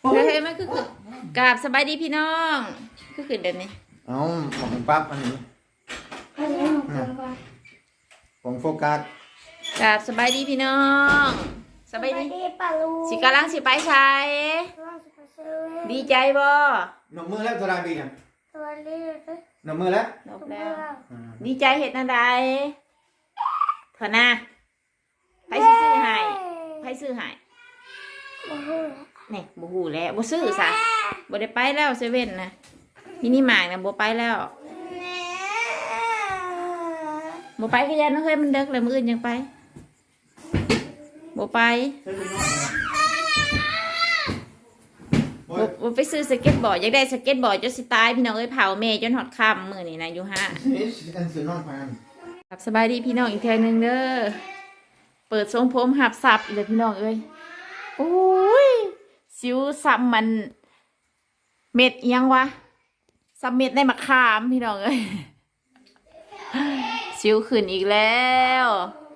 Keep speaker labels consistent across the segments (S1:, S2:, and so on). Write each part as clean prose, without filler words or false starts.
S1: เฮ้ยมันคือกราบสบายดีพี่น้องคือขึ้นเดี๋ยวนี้
S2: เอาหมองปั๊บอันนี้ของโฟกัส
S1: กราบสบายดีพี่น้องสบายดีสิกำลังสิไปใช้ดีใจบ่
S2: หนมมือแล้วตัวใดปีเนี่ยหนมมือแล้ว
S1: นบแล้วดีใจเห็ดนาใดเถอะนะไผซื้อให้ไผซื้อให้นี่บ่ฮู้แล้วบ่ซื้อซะบ่ได้ไปแล้วเซเว่นนะมินิมาร์ทนะบ่ไปแล้วบ่ไปก็ยันเฮ้ยมันเด็กเลยมื้ออื่นยังไปบ่ไปบ่ไปซื้อสเก็ตบอร์ดอยากได้สเก็ตบอร์ดจนสิตายพี่น้องเอ้ยเผาแม่จนหอดค่ำมื้อนี้นะอยู่ห้าครับสบายดีพี่น้องอีกเทื่อนึงเด้อเปิดทรงผมหับสับอีกเลยพี่น้องเอ้ยโอ้ยสิวซ้ำมันเม็ดยังวะซ้ำเม็ดในมะขามพี่น้องเอ้ยสิวขึ้นอีกแล้ว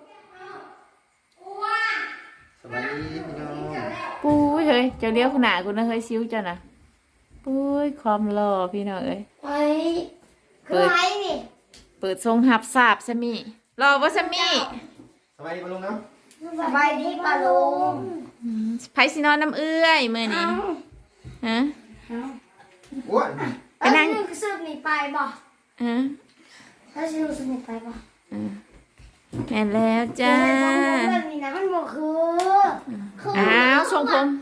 S2: สบายดีพี่น้อง
S1: ปุ้ยเฮ้ยเจ้าเลี้ยวขนาดกูนะเฮ้ยสิวเจ้านะปุ้ยความหล่อพี่น้องเอ้ยเปิดทรงหับสับซะมี่รอว่าซะมี่
S2: สบายดีปะลุงเนาะ
S3: สบายดีปะลุง
S1: ไผสินอนน้ำเอื้อยมื้อนี้ฮะ
S2: อ้วน
S3: ไปนั่งสืบหนีไปบ่
S1: ฮะ
S3: ถ้าสืบหนีไปบ่
S1: แม่แล้วจ้า
S3: แบบนี้นะมันบ่คือ
S1: อ้าวทรงผม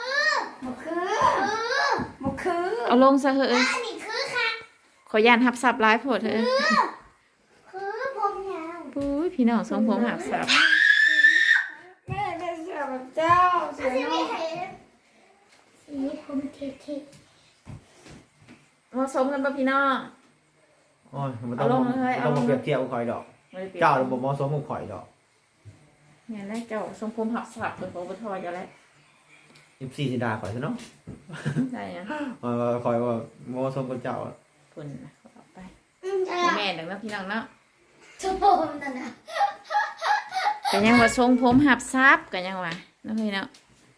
S3: บ่คือ
S1: เอาลงซะเฮ้ย
S3: อันนี้คือค่ะ
S1: ขอยานหับสับร้ายโพดเถอะ
S3: คือผมยาว
S1: ปุ้ยพี่น้องทรงผมหับสับ
S3: แม่จะเสือแบบเจ้าเสือน้องสีผมเท่
S1: ๆมาสมกันป่ะพี่น้อง
S2: โอ้ยมันต้องมาเปรียบเทียบกับข่อยดอกเจ้าระบบมอสมกับข่อยดอก
S1: เนี่ยแรกเจ้าทรงผมหับสับเป็นของปทอยจะแล้ว
S2: 14สิดาข่อยซะเนาะ
S1: ใช่นะ
S2: ข่อยว่ามอสมกับเจ้า
S1: พุ่นนะเขาออกไปแม่ดังนั้นพี่น้องเนาะ
S3: ชมผมนั่นนะ
S1: กันยังว่าทรงผมหับซับกันยังว่าน้องพี่เนาะ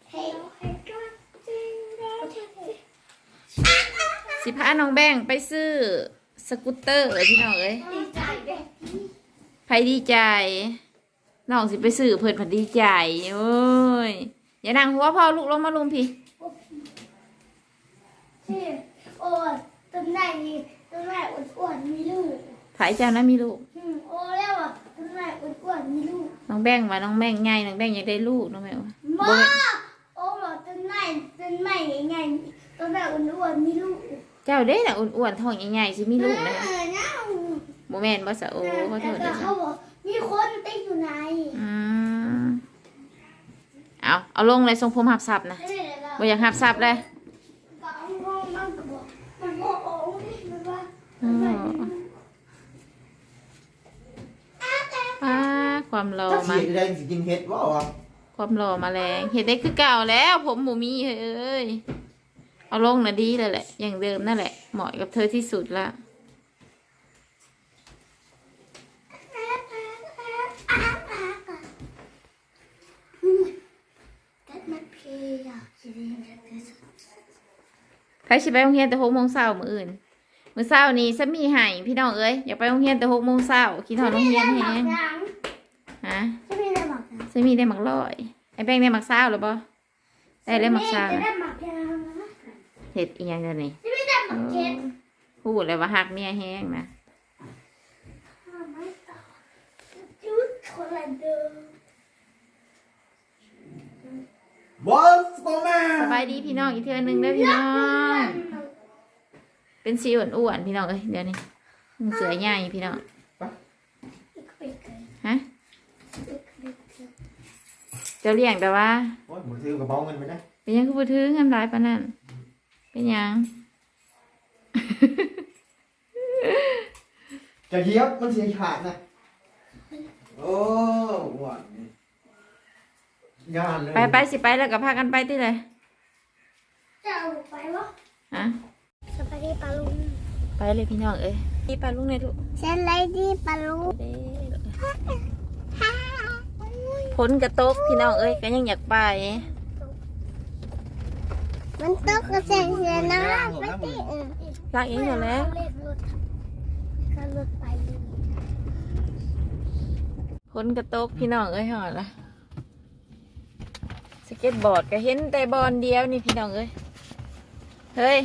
S1: สิพาน้องแบงไปซื้อสกูตเตอร์พี่น้องเอ้ยไผดีใจน้องสิไปซื้อเพิ่นผัดดีใจโอ้ยอย่านั่งหัวพ่อลูกลงมาลุมพี่
S3: โอ้ต้นไหนอ้วนๆมีลูก
S1: ไผเจ้านะมีลูก
S3: โอ้แล้วอ่ะต้นไหนอ้วนๆมีลูก
S1: น้องแบงว่าน้องแบงไงน้องแบงอยากได้ลูกน้องแม่ว่า
S3: โอ้บอกต้นไหนไงต้นไหนอ้วนๆมีลูก
S1: เจ้าเด้น่ะอ้วนๆท้องใหญ่ๆสิมีลูกนะโมแมนบ่สะโอ้ขอโทษด้วย
S3: เขาบอกมีคนติดอยู่ใน
S1: เอาลงเลยทรงผมหับสับนะบ่อยากหับสับเลยความรอมา
S2: แดงสิกินเห็ดว่าวะ
S1: ความรอมาแรงเห็ดได้คือเก่าแล้วผมหมูมีเฮ้ยเอาลงนะดีเลยแหละอย่างเดิมนั่นแหละเหมาะกับเธอที่สุดละใครสิไปโรงเรียนแต่6 โมงเช้ามื้ออื่นมื้อเช้านี้ซะมีให้พี่น้องเอ้ยอยากไปโรงเรียนแต่6 โมงเช้าคิดฮอดโรงเรียนแฮงฮะซะมีได้หมักร้อยไอ้แป้งได้หมักเช้าหรือบ่ได้เลยหมักเช้าเฮ็ดอีหยังเดี๋ยวนี้พูดเลยว่าฮักเมียแฮงนะสบายดีพี่น้องอีกเทื่อนึงเด้อพี่น้องเป็นสีอ้วนๆพี่น้องเอ้ยเดี๋ยวนี้เสือใหญ่พี่น้องฮะเจ้าเลี้ยงแต่ว่า
S2: มือถือกระเป๋าเงินไปได้
S1: เป็นยังคือมือถือเงินหลายปานนั้นเป็นยัง
S2: จะเยียบมันเสียขาดนะโอ้หวาน
S1: ไปสิไปแล้วกับพากันไปที่ไหน
S3: จะเอาไปวะ
S1: ฮะ
S3: สบายดีปะลุง
S1: ไปเลยพี่น้องเอ้ยดีปะลุงเนี่ยลูก
S3: สบายดีปะลุง
S1: ฝนกระตกพี่น้องเอ้ยก็ยังอยากไป
S3: มันตกกระแสเสียน้ำไปที่อื่น
S1: ล้างเองหมดแล้ว
S3: เขาหลุดไปเลย
S1: พ้นกระตกพี่น้องเอ้ยหอดละสเก็ตบอร์ดก็เห็นแต่บอลเดียวนี่พี่น้องเอ้ยเฮ้ย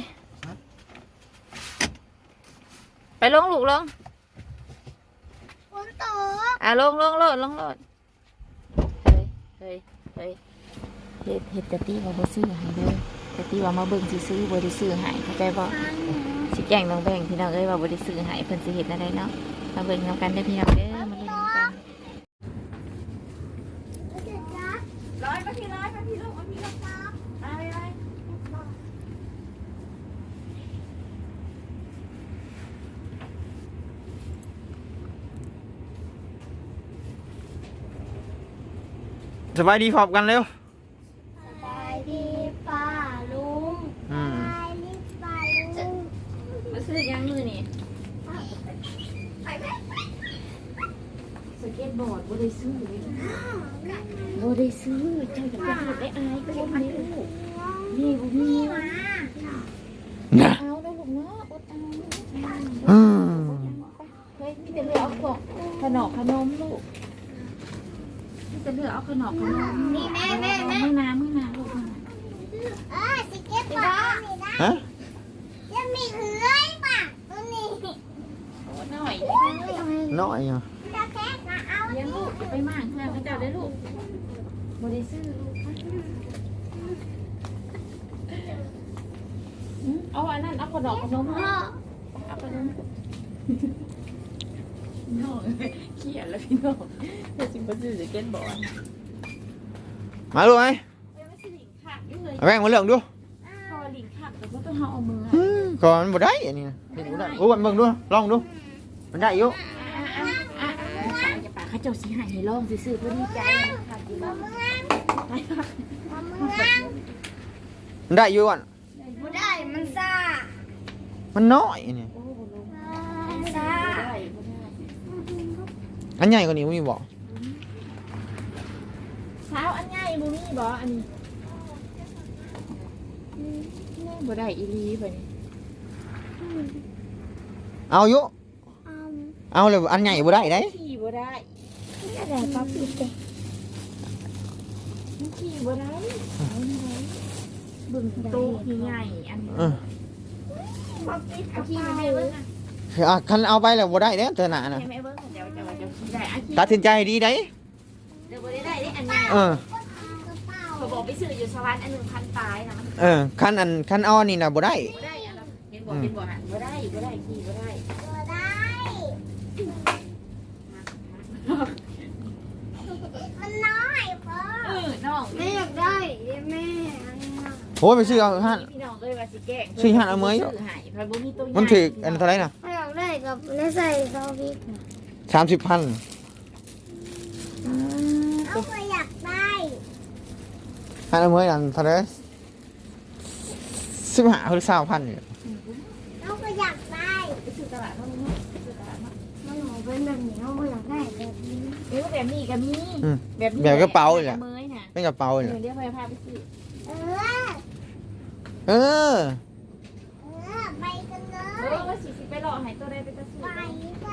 S1: ไปลงลูกลง
S3: ฝนตก
S1: ลงโลดเฮ้ยเฮ็ดแต่ตีว่าบ่ซื้อให้เด้อแต่ตีว่ามาเบิ่งซื้อบ่ได้ซื้อให้เข้าใจบ่สิแกล้งน้องแบ่งพี่น้องเอ้ยว่าบ่ได้ซื้อให้เพิ่นสิเฮ็ดอะไรเนาะมาเบิ่งนำกันเด้อพี่น้องเด้อมาเล่นนำกันร้อยมาพี่ลูกมาพี่ลูกไป
S2: สบายดีพร้อมกันเร็ว
S3: สบายดีป้าลุงสบายดีป้าลุง
S1: มาซื้อยังมือนี่สเก็ตบอร์ดบ่ได้ซื้อเลยบ่ได้ซื้อเจ้าจะไปเฮ็ดได้อายก็บ่มีลูกนี่บ่มี
S3: มา
S2: นะ
S1: เอาได้ลูกเนาะอดเอา
S2: อืม
S1: เฮ้ยมีแต่เลือกเอาของขนมลูกมีแต่เลือกเอาขนม
S3: นี่แม่
S1: มื้อน้ำลูกมื้อน้
S3: สเก็ตบอร์ดนี่นะ
S2: ฮะ
S3: จะมีเลื้อยป่ะตัวนี้
S1: ำโอ้หน่อย
S2: น้อยอ่ะ
S3: จะแค่มาเอา
S1: เลี้ยงลูกไปมากเพื่อนเขาเจ้าได้ลูกบ่ได้ซื้อลูกเอาอันนั้นเอาขนมเอาขนมน้องเขียนแล้วพี่น้องแต่จริงก็ซื้อสเก็ตบอร์ด
S2: มาลูกไหม
S1: ไม่ใช่หลิงขักอยู่เลย
S2: เอาแบ่งมาเรื่องดู
S1: พอหลิงขักแต่ก็ต้องเอามือ
S2: ก่อนบ่ได้อันนี้นะเห็นบ่ได้โอ้มันเบิ่งดูลองดูมันได้อยู่
S1: จะป่าเขาเจ้าสีหายให้ลองซื้อเพื่อดีใจขักอยู่บ้าง
S2: มันได้อยู่ก่อน
S3: ไม่ได้มันซ่า
S2: มันน้อยอันนี้
S3: ซ่า
S2: อันใหญ่กว่านี้มีบ่
S1: เช้าอันใหญ่บูมี่บออันนี้บ่ได้อีลีไปนี่
S2: เอาอยู่เอาเลยอันใหญ่บ่ได้ได้
S1: ขี่บ่ได้
S3: อะไรป๊อปปี้เด็ก
S1: ขี่บ่ได้บึ้งโต๊ะใหญ่อันนี้
S3: ป๊อปปี้
S1: เอาขี่ไปให้เบิ้งอ่ะ
S2: คันเอาไปแล้วบ่ได้เด้อเธอหน้าน่ะ
S1: ให้แม่เบิ้งเดี๋ยวจะขี่ได้อ่ะขี่
S2: ตัดสินใจให้ดีได้
S1: เดี๋ยวบ่ได้ได้อันใหญ่
S2: เออ
S1: เขาบอกไปซื้ออยู่สวรรค์อัน1,000ปลายนะมัน
S2: คันเอาอันนี้น่ะบ่ได้
S1: บ่ได้อันนั้นเห็นบ่หันบ่ได้ขี่บ่ได้
S3: ตัวได้มันน้อยพ่อ
S1: น้อง
S3: แม่อยากได้แม่
S2: โอ้ยไปซื้อเอาหั่น
S1: พี่น้องเอ้ยว่าสิแกล้ง
S2: ซื้อหั่นเอามื้อ
S1: ซื้อให้เพราะบ่มีตัวใหญ่
S2: มันถืออันเท่าไหร่น่ะ
S3: ไม่อยากได้กับแล้วใส่ซอสพริก
S2: 30,000
S3: เอาไปอยากได้
S2: หั่นเอามื้ออันเท่าไหร่15หรือ20,000นี่
S3: เอาไปอยากได้
S1: ไปซื้อตลาดเนาะซื้อตลาดเนาะ
S3: มันหนูเป็นแบบนี้เอาไปอยากได้แบบนี้
S1: แบบนี้ก็มี
S2: อืม
S1: แบบนี้
S2: แบบกระเป๋าเลย
S1: แห
S2: แห
S1: ละ
S2: ละ
S1: เมยน่ะ
S2: เป็นกระเป๋านี่
S1: เดี๋ยวพาไปซื้อ
S3: เออ
S2: เออ
S3: ไปกันเล
S1: ว่าสิไปรอให้ตัวใดไปซื้อ
S3: ไปไป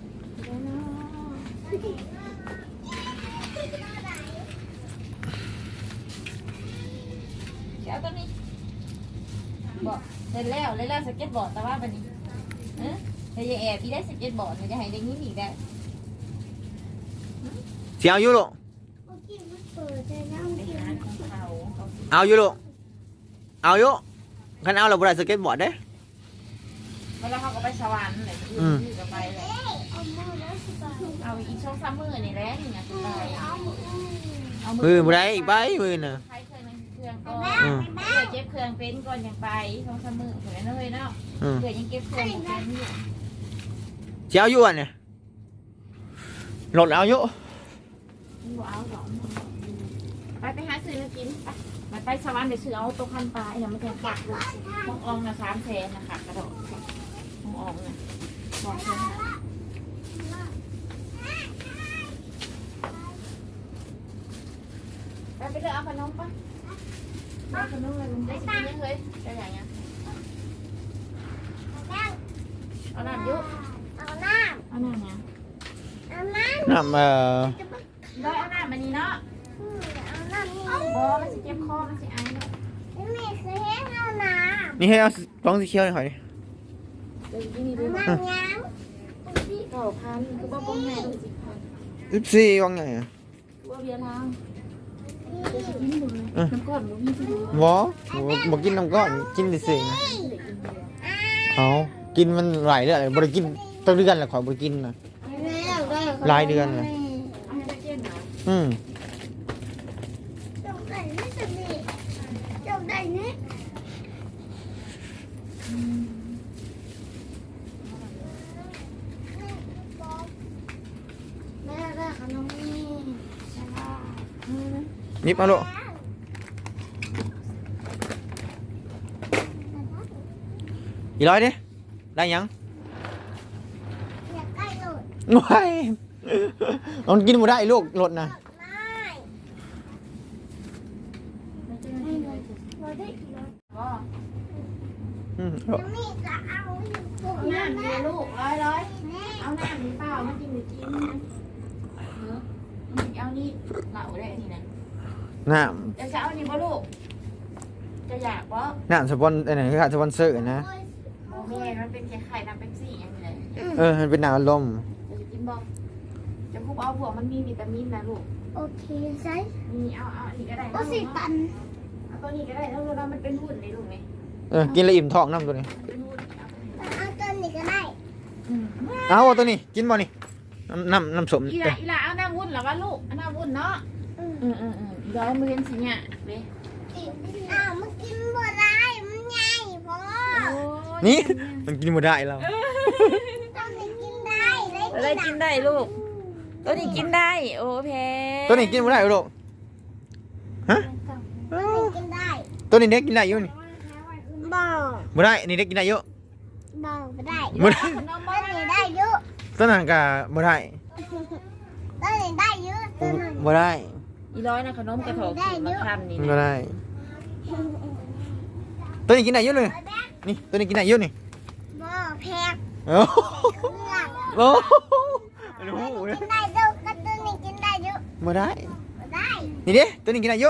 S1: เอาตัวนี้บอกเสร็จแล้วสเก็ตบอร์ดแต่ว่าบัดนี้แต่อย่าแอบพี่ได้สเก็ตบอร์ดมันจะให้ได้ยินอีกได้
S2: สิเอาอยู่ลูก
S3: เมื่อกี้มันเปิดแต่น้ำ
S1: ไป
S3: เขียว
S1: หาของเขา
S2: เอาอยู่ลูกเอาอยู่คันเอาแล้วบ่ได้สเก็ตบอร์ดเด้
S1: เวลาเขาก็ไปสวรรค์เลยก็ไปเลย
S3: เอามือแล้วสิบาท
S1: เอาอีกช่องซ้ำมือนี่แหละนี่นะไป
S3: เอามือ
S1: เอา
S2: มือบ่ได้อีกใบมือน่ะ
S1: ใช้เครื่องก่อนเพื่อเก็บเครื่องเป็นก่อนยังไปช่องซ้ำมือเหมือนเลยเนาะ
S2: อืม
S1: เพื่อยังเก็บเครื่องเป็นอยู่
S2: สิเอาอยู่อันเนี่ยรถเอาอยู่
S1: ว้าวหรอไปหาซื้อมากินไปสวรรค์เดี๋ยวซื้อเอาตัวพันปลายเนี่ยมันจะปักเลยมองอองนะ300,000นะคะกระโดดมองอองนะ200,000ไปเลือกเอาขนมปะเอาขนมอะไรลุงได้สิกินยังเลยเอาน้ำเยอะ
S3: เอาน้
S1: เอาน้ำนะ
S3: ำเอาน้ำ
S2: น้ำ
S1: ร้อยเอาน้ำมันนี้เนาะ
S3: เอาน้ำนี่
S1: บอมันสิเจ็บคอมันสิไอเนาะ
S3: ไม่เคยให้เอาน้
S2: นี่ให้เอากล้องสีเขียวหน่อย
S1: เดี๋ยวกินนี่
S3: ำ
S1: ด้วย
S3: น้ำยัง
S1: 9,000คือบ่ป้องแม่ต้อง10,000
S2: 14ว่างไงอ่ะ
S1: ว่าเบียร์ทางจะกินดูเลยน้ำก้อนบ่มีที่ดู
S2: บ่กินน้ำก้อนกินดิสิเอากินมันหลายเดือนเลยบ่ได้กินตั้งเดือนแล้วขอยบ่ได้กินนะหลายเดือนเลย
S1: เอาให้ตะเกียนหน่อย
S3: จบได้ไม่สนิทจบได้เนี่ยแม่ได้ขนมนี่ใช่ป่ะ
S2: นิบเอาลูกอีร้อยดิได้ยัง
S3: อยากใกล้หลุด
S2: ว้ายมันกินบ่ได้ลูกรถนะ
S3: ไม่เราได้กี่รถ
S1: ก็
S3: ยังไม่จะเอาอยู่ปุ๊บ
S1: น้ำเดียวลูกร้อย
S3: แม่
S1: เอาน้ำนี่เปล่ามากินหรือกินนะเอานี่เหล่าได้ทีนะ
S2: น้
S1: จะเอานี่บ่ลูกจะอยากบ่
S2: ำน้ำสปอนไหนคือขาดสปอนเซอร์นะ
S1: โอ้แม่มันเป็นไข่น้ำเป๊ปซี่อย่างนี้เลย
S2: มันเป็นน้ำอารมณ์
S1: จะกินบ่จะคุบเอาพวกมันมีวิตามินนะลูก
S3: โอเคใช่
S1: มีเอาอันนี้ก็ได้
S3: โอ้สิตัน
S1: เอาตัวนี้ก็ได้แล้วเรามันเป็นหุ่นในลูกนี่
S2: กินแล้วอิ่มท้องน้ำตัวนี้
S1: เป็นหุ่น
S3: เอาต้นนี้ก็ได้
S2: เอาตัวนี้กินบ่นี่น้ำสม
S1: อีหล่าเอาน้ำวุ่นหรอวะลูกเอาน้ำวุ่นเนาะร้อยมือเห็นสิเนี่ยเว้ย
S3: อ้าวมันกินบ่ได้มันใหญ่พอ
S2: นี่มันกินบ่ได้แล้ว
S3: ต้นนี้กินได้
S1: อะไรกินได้ลูกตัวนี้กินได้โอ้แพ้
S2: ตัวนี้กินบ่ได้ลูกฮะ
S3: ต้นนี้กินได้
S2: ตัวนี้เด็กกินได้อยู่นี่
S3: บ่
S2: บ่ได้นี่เด็กกินได้อยู่
S3: บ่ไม่ได้
S2: บ่ได้
S1: ขนม
S3: ต้
S1: มาน
S3: นี้ได้เยอะ
S2: ตัวนั้นก็บ่ได้
S3: ต้นนี้ได้เยอะต้นนั้น
S2: บ่ได้
S1: อีร้อยนะขนมกระถอกขีดมาทำนี่
S2: บ่ได้ตัวนี้กินได้อยู่เลยนี่ตัวนี้กินได้อยู่นี่
S3: บ่แพง
S2: โอ้
S3: เครื่อง
S2: โอ้
S3: กินได้เยอะก็ต้นนี้กินได้เยอะ
S2: บ่ได้
S3: บ่ได้
S2: นี่เด้ตัวนี้กินได้อยู่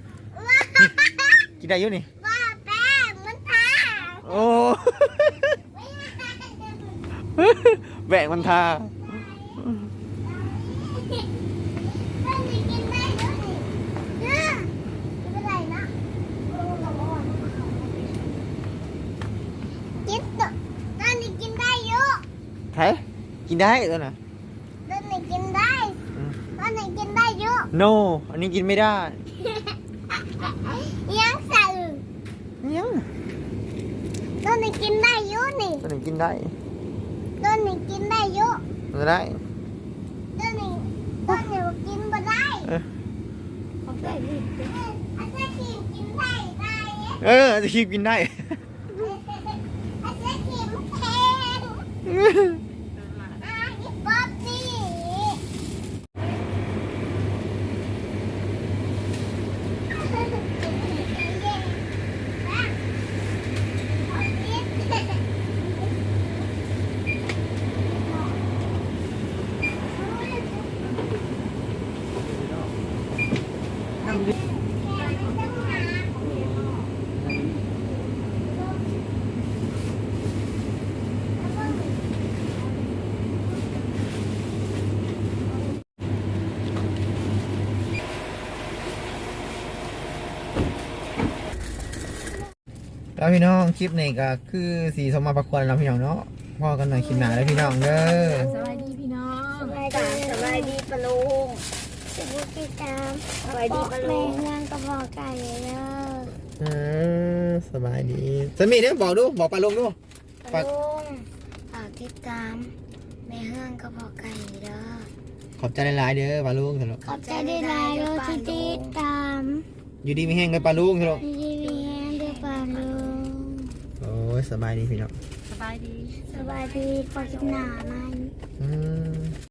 S2: กินได้อยู่นี่
S3: ว่าแป้งมันทา
S2: โอ้แบกมันทา
S3: ต้นนี้กินได้เยอะนี่เยอะไม่เป็นไรนะกินตัวต้นนี้กินได้เยอะ
S2: ใช่กินได้ตัวน่ะ
S3: ต้นนี้กินได้ต้นนี้กินได้เยอะ
S2: no อันนี้กินไม่ได้
S3: ยังใส่
S2: ยัง
S3: ต้นนี้กินได้เยอะนี่
S2: ตัวนี้กินได้
S3: ต้นนี้กินได้เยอะ
S2: ไม่ได้
S3: ต้นนี้กินบ่ได้
S1: ขอบใจดิ
S3: อาจารย์ขีมกินได้ได้
S2: จะคีบกินได้
S3: อาจารย์ขีมแพงอีป๊อปนี่
S2: แล้วพี่น้องคลิปนี้ก็คือสีสมมาประควรแล้วพี่น้องเนาะพ่อกันหน่อยคลิปหน้าแล้วพี่น้องเด้อ
S1: สบายดีพี่น้อง
S3: สบายดีปะลุงสวัสดีครับสบายดีปะลุงแม่งานกระบอกไก่เด้อ
S2: สบายดีสมีเด้อบอกดูบอกปลาลุงดู
S3: ปะลุงฝากติดตามแม่เฮืองกระบอกไก่เด้อ
S2: ขอบใจหลายๆเด้อปลาลุงสำหรับ
S3: ขอบใจได้หลายเลยที่ติดตาม
S2: อยู่ดีไม่แห้งเลยปลาลุงสำหรับ
S3: ดีดีแฮงเด้อปะลุง
S2: โอ้ยสบายดีพี่น้อง
S1: สบายดี
S3: สบายดีขอกินหนามัน
S2: อืม